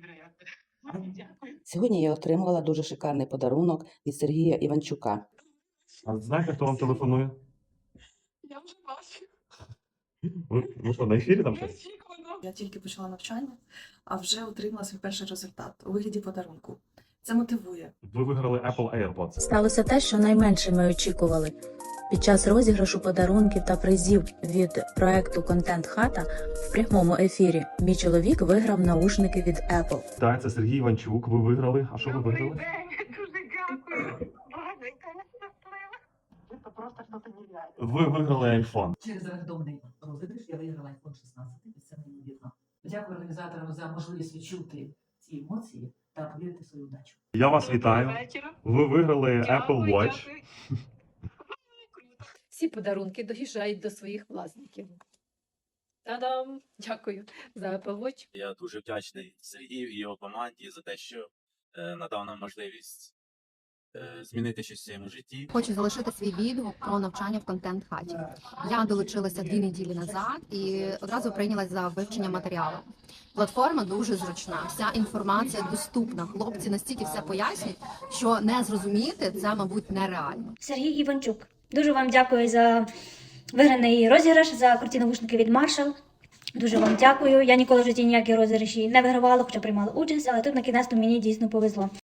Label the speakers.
Speaker 1: Сьогодні я отримала дуже шикарний подарунок від Сергія Іванчука.
Speaker 2: А знаєте, хто вам телефонує?
Speaker 3: Я вже бачу.
Speaker 2: Ви що, на ефірі там щось?
Speaker 3: Очікувано. Я тільки почала навчання, а вже отримала свій перший результат у вигляді подарунку. Це мотивує.
Speaker 2: Ви виграли Apple AirPods.
Speaker 4: Сталося те, що найменше ми очікували. Під час розіграшу подарунків та призів від проекту «Контент Хата» в прямому ефірі мій чоловік виграв наушники від Apple.
Speaker 2: Так, це Сергій Іванчук. Ви виграли. А що ви виграли?
Speaker 5: Дуже дякую. Боже, яка я щаслива. Це просто щось нереальне.
Speaker 2: Ви виграли iPhone.
Speaker 6: Через рандомний розіграш я виграла iPhone 16, і це неймовірно. Дякую організаторам за можливість відчути ці емоції та повірити в свою удачу.
Speaker 2: Я вас вітаю. Ви виграли Apple Watch.
Speaker 7: Всі подарунки доїжджають до своїх власників. Та-дам! Дякую за Apple Watch.
Speaker 8: Я дуже вдячний Сергію і його команді за те, що надав нам можливість змінити щось в своєму житті.
Speaker 9: Хочу залишити свій відгук про навчання в контент-хаті. Я долучилася 2 неділі назад і одразу прийнялась за вивчення матеріалу. Платформа дуже зручна, вся інформація доступна. Хлопці настільки все пояснюють, що не зрозуміти це, мабуть, нереально.
Speaker 10: Сергій Іванчук. Дуже вам дякую за виграний розіграш, за круті навушники від Marshall. Дуже вам дякую. Я ніколи в житті ніякі розіграші не вигравала, хоча приймала участь, але тут на кінець мені дійсно повезло.